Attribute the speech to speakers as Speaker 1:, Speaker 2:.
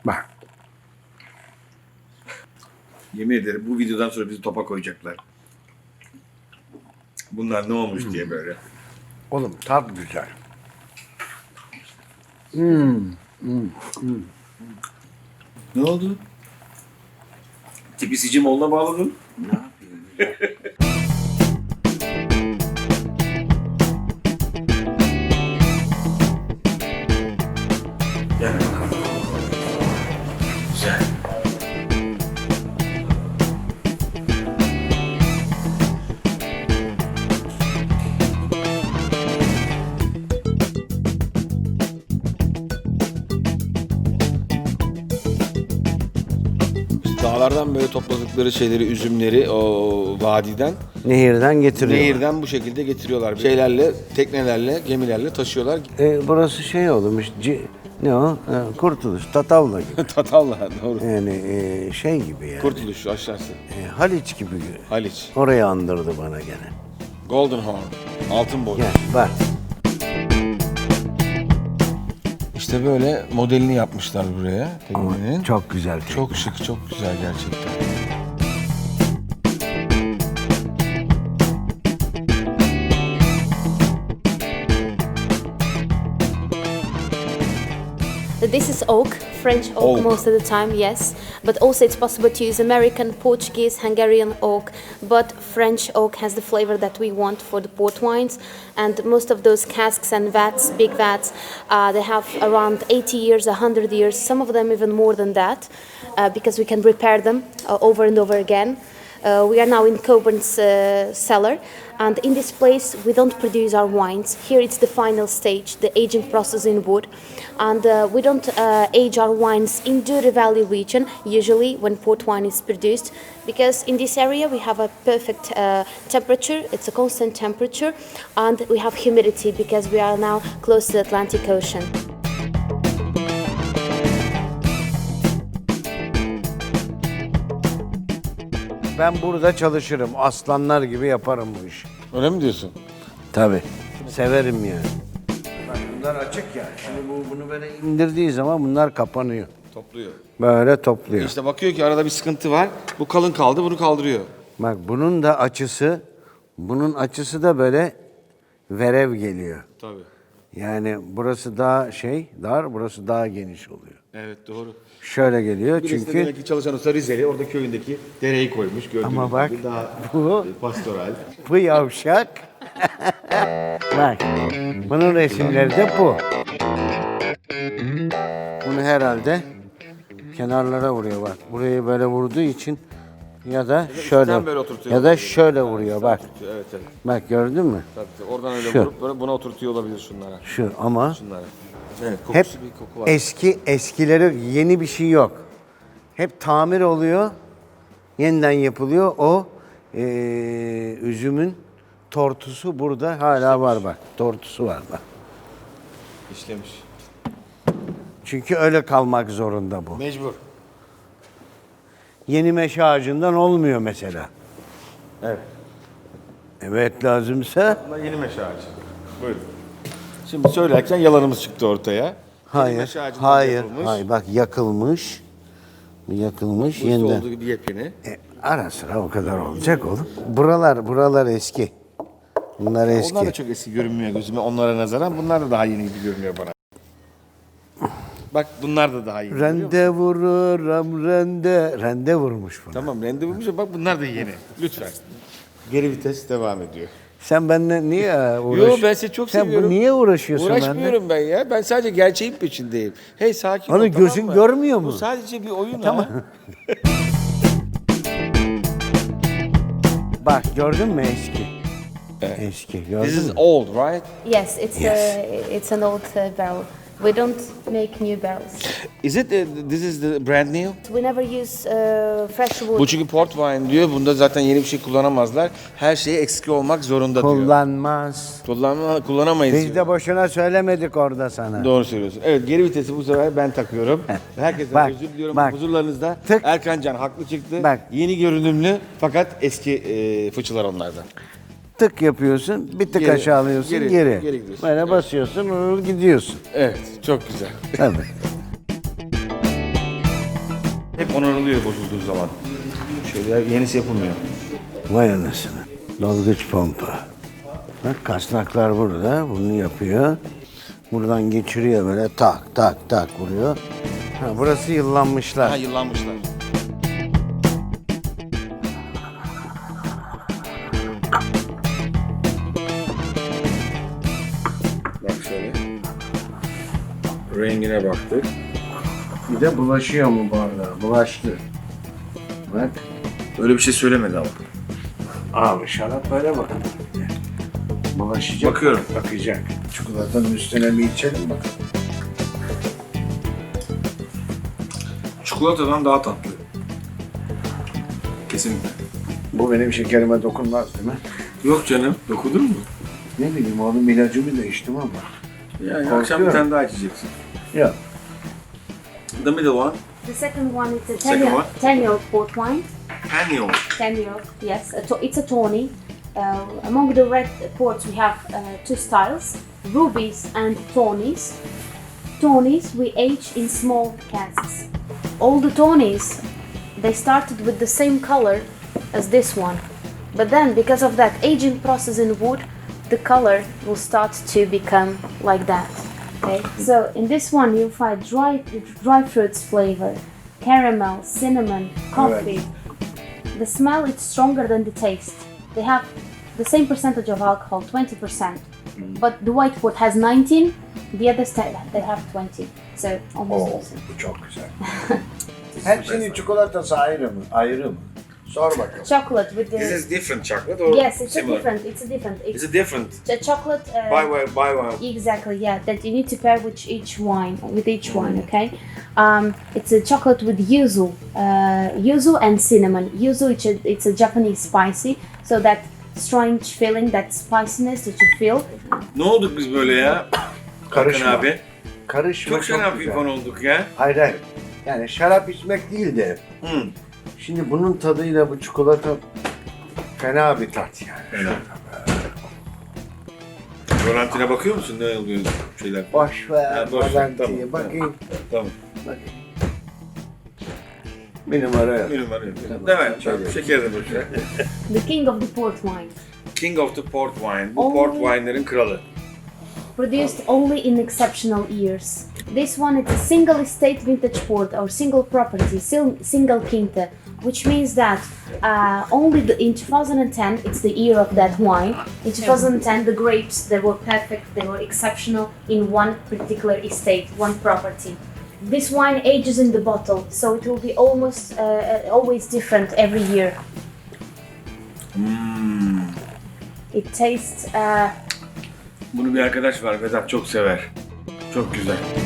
Speaker 1: Bak.
Speaker 2: Yemin ederim bu videodan sonra bizi topa koyacaklar. Bunlar ne olmuş diye böyle.
Speaker 1: Oğlum tat güzel.
Speaker 2: Ne oldu? Tipisici Molla bağladın.
Speaker 1: Ne yapayım?
Speaker 2: Gel bakalım. Güzel.
Speaker 3: Dağlardan böyle topladıkları şeyleri, üzümleri o vadiden,
Speaker 1: Nehirden getiriyor.
Speaker 3: nehirden bu şekilde getiriyorlar. Şeylerle, teknelerle, gemilerle taşıyorlar.
Speaker 1: Burası şey olmuş. Ne o? Kurtuluş, Tatavla gibi.
Speaker 3: Tatavla doğru.
Speaker 1: Yani şey gibi yani.
Speaker 3: Kurtuluş aşağısı.
Speaker 1: Haliç gibi.
Speaker 3: Haliç.
Speaker 1: Orayı andırdı bana gene.
Speaker 3: Golden Horn. Altın boy.
Speaker 1: Gel bak.
Speaker 3: İşte böyle modelini yapmışlar buraya teknenin.
Speaker 1: Çok güzel tekne.
Speaker 3: Çok şık, çok güzel gerçekten.
Speaker 4: This is oak, French oak,
Speaker 3: Oak.
Speaker 4: most of the time, yes. But also it's possible to use American, Portuguese, Hungarian oak. But French oak has the flavor that we want for the port wines. And most of those casks and vats, big vats, they have around 80 years, 100 years, some of them even more than that, because we can repair them over and over again. We are now in Coburn's cellar, and in this place we don't produce our wines. Here it's the final stage, the aging process in wood, and we don't age our wines in Douro Valley region usually when port wine is produced, because in this area we have a perfect temperature, it's a constant temperature, and we have humidity because we are now close to the Atlantic Ocean.
Speaker 1: Ben burada çalışırım. Aslanlar gibi yaparım bu işi.
Speaker 3: Öyle mi diyorsun?
Speaker 1: Tabii. Severim yani. Bak bunlar açık ya. Şimdi bunu böyle indirdiği zaman bunlar kapanıyor.
Speaker 3: Topluyor.
Speaker 1: Böyle topluyor.
Speaker 3: İşte bakıyor ki arada bir sıkıntı var. Bu kalın kaldı, bunu kaldırıyor.
Speaker 1: Bak bunun açısı da böyle verev geliyor.
Speaker 3: Tabii.
Speaker 1: Yani burası daha dar, burası daha geniş oluyor.
Speaker 3: Evet doğru.
Speaker 1: Şöyle geliyor
Speaker 3: Birisi de
Speaker 1: çünkü
Speaker 3: demek ki çalışan usta Rizeli, orada köyündeki dereyi koymuş. Gördüğünüz
Speaker 1: ama bak
Speaker 3: gibi daha
Speaker 1: bu
Speaker 3: pastoral.
Speaker 1: bu yavşak. Bak bunun resimleri de bu. Bunu herhalde kenarlara vuruyor bak. Burayı böyle vurduğu için ya da şöyle
Speaker 3: böyle oturtuyor.
Speaker 1: ya da şöyle vuruyor bak.
Speaker 3: Evet evet.
Speaker 1: Bak gördün mü?
Speaker 3: Tabii, oradan öyle
Speaker 1: Şu.
Speaker 3: vurup böyle buna oturtuyor olabilir şunlara.
Speaker 1: Şu ama
Speaker 3: Şunlara. Evet,
Speaker 1: hep
Speaker 3: kokusu bir koku var.
Speaker 1: eskileri yeni bir şey yok. Hep tamir oluyor. Yeniden yapılıyor. O üzümün tortusu burada hala var bak. Tortusu var bak.
Speaker 3: İşlemiş.
Speaker 1: Çünkü öyle kalmak zorunda bu.
Speaker 3: Mecbur.
Speaker 1: Yeni meşe ağacından olmuyor mesela.
Speaker 3: Evet.
Speaker 1: Evet lazımsa
Speaker 3: Bunlar yeni meşe ağacı. Buyurun. Şimdi söylerken yalanımız çıktı ortaya. Yeni
Speaker 1: hayır,
Speaker 3: meşe ağacından
Speaker 1: hayır,
Speaker 3: yapılmış.
Speaker 1: hayır. Bak yakılmış. Bu yakılmış
Speaker 3: Bu
Speaker 1: yeniden.
Speaker 3: olduğu gibi yepyeni.
Speaker 1: Ara sıra o kadar olacak oğlum. Buralar eski. Bunlar eski.
Speaker 3: Onlar da çok eski görünmüyor gözüme onlara nazaran. Bunlar da daha yeni gibi görünüyor bana. Bak bunlar da daha yeni. görüyor musun?
Speaker 1: Rende vururum rende. Rende vurmuş bunu.
Speaker 3: Tamam rende bulmuş ama bak bunlar da yeni. Lütfen. Geri vites devam ediyor.
Speaker 1: Sen benimle niye uğraşıyorsun?
Speaker 3: Yo ben seni çok
Speaker 1: Sen
Speaker 3: seviyorum.
Speaker 1: niye uğraşıyorsun benimle?
Speaker 3: Uğraşmıyorum ben ya. Ben sadece gerçeğin peşindeyim. Hey sakin ol.
Speaker 1: Onu
Speaker 3: tamam
Speaker 1: gözün
Speaker 3: mı?
Speaker 1: görmüyor mu?
Speaker 3: Bu sadece bir oyun ha.
Speaker 1: Bak gördün mü eski? Eski gördün
Speaker 3: This is
Speaker 1: mü?
Speaker 3: old, right?
Speaker 4: Yes, it's an old barrel. We don't make new barrels.
Speaker 3: Is it this is the brand new?
Speaker 4: We never use fresh wood.
Speaker 3: Bu çünkü port wine diyor. Bunda zaten yeni bir şey kullanamazlar. Her şeye eski olmak zorunda diyor.
Speaker 1: Kullanmaz.
Speaker 3: Kullanamayız
Speaker 1: Biz
Speaker 3: diyor.
Speaker 1: de boşuna söylemedik orada sana.
Speaker 3: Doğru söylüyorsun. Evet geri vitesi bu sefer ben takıyorum. Herkesten
Speaker 1: Bak,
Speaker 3: özür diliyorum.
Speaker 1: bak.
Speaker 3: Huzurlarınızda
Speaker 1: Tık.
Speaker 3: Erkan Can haklı çıktı.
Speaker 1: Bak.
Speaker 3: Yeni görünümlü fakat eski fıçılar onlardan.
Speaker 1: Tık yapıyorsun, bir tık
Speaker 3: Geri,
Speaker 1: aşağı alıyorsun,
Speaker 3: geri
Speaker 1: geri.
Speaker 3: gidiyorsun.
Speaker 1: Böyle
Speaker 3: Evet.
Speaker 1: basıyorsun, gidiyorsun.
Speaker 3: Evet çok güzel.
Speaker 1: Tabii.
Speaker 3: Hep onarılıyor bozulduğu zaman. Şöyle yenisi yapılmıyor.
Speaker 1: Vay anasını. Dalgıç pompa. Bak kasnaklar burada. Bunu yapıyor. Buradan geçiriyor böyle tak tak tak vuruyor. Ha, burası yıllanmışlar.
Speaker 3: Ha, yıllanmışlar.
Speaker 2: Bak şöyle. Rengine baktık.
Speaker 1: Bir de bulaşıyor mu bardağa? Bulaştı. Bak.
Speaker 2: Öyle bir şey söylemedi ama.
Speaker 1: Abi şarap böyle bakın. Bulaşacak.
Speaker 2: Bakıyorum.
Speaker 1: Bakacak. Çikolatanın üstüne bir içelim bakalım.
Speaker 2: Çikolatadan daha tatlı. Kesinlikle.
Speaker 1: Bu benim şekerime dokunmaz değil mi?
Speaker 2: Yok canım. Dokunur mu?
Speaker 1: Ne bileyim oğlum ilacımı da içtim ama.
Speaker 2: Yani
Speaker 1: Korkuyorum.
Speaker 2: akşam bir tane daha içeceksin.
Speaker 1: Yok.
Speaker 2: The middle one.
Speaker 4: The second one is a
Speaker 2: Second one?
Speaker 4: 10-year-old port wine.
Speaker 2: Panion.
Speaker 4: 10-year-old, yes. It's a tawny. Among the red ports, we have two styles: rubies and tawnies. Tawnies we age in small casks. All the tawnies, they started with the same color as this one, but then because of that aging process in wood, the color will start to become like that. Okay, so in this one you'll find dry fruits flavor, caramel, cinnamon, coffee. The smell is stronger than the taste. They have the same percentage of alcohol, 20%. But the white port has 19, the others they have 20. So almost the same.
Speaker 1: Bu çok güzel. Hepsinin çikolatası ayrı mı? Ayrı mı? Sor bakalım.
Speaker 4: Chocolate with the...
Speaker 2: This is different chocolate or
Speaker 4: Yes, it's
Speaker 2: similar?
Speaker 4: a different. It's a different.
Speaker 2: It's a different.
Speaker 4: a chocolate.
Speaker 2: Buy one.
Speaker 4: Exactly, yeah. That you need to pair with each wine. Okay. It's a chocolate with yuzu and cinnamon. Yuzu, it's a Japanese spicy, so that strange feeling, that spiciness that you feel.
Speaker 2: Ne olduk biz böyle ya?
Speaker 1: Karışma.
Speaker 2: Hakan abi.
Speaker 1: Karışma
Speaker 2: Çok şarap
Speaker 1: güzel.
Speaker 2: infon olduk ya.
Speaker 1: Hayır hayır. Yani şarap içmek değil de.
Speaker 2: Hı.
Speaker 1: Şimdi bunun tadıyla bu çikolata fena bir tat yani.
Speaker 2: Fena. Rolantine bakıyor musun? Ne oluyor şeyler?
Speaker 1: Boş ver.
Speaker 2: Ha, boş ver,
Speaker 1: Valentin'i
Speaker 2: tamam,
Speaker 1: bakayım.
Speaker 2: Tamam.
Speaker 1: Bakayım. Bir numara yok.
Speaker 2: Benim var ya.
Speaker 1: Tamam,
Speaker 2: Değil mi?
Speaker 1: şöyle.
Speaker 2: Şeker de boş ver.
Speaker 4: The king of the port wine.
Speaker 2: King of the Port Wine. Bu
Speaker 4: Oh.
Speaker 2: port wine'lerin kralı.
Speaker 4: Produced only in exceptional years. This one is a single estate vintage port or single property, single quinta, which means that in 2010 it's the year of that wine. In 2010 the grapes, they were perfect, they were exceptional in one particular estate, one property. This wine ages in the bottle, so it will be almost always different every year. It tastes
Speaker 2: Bunu bir arkadaş var, Vedat çok sever. Çok güzel.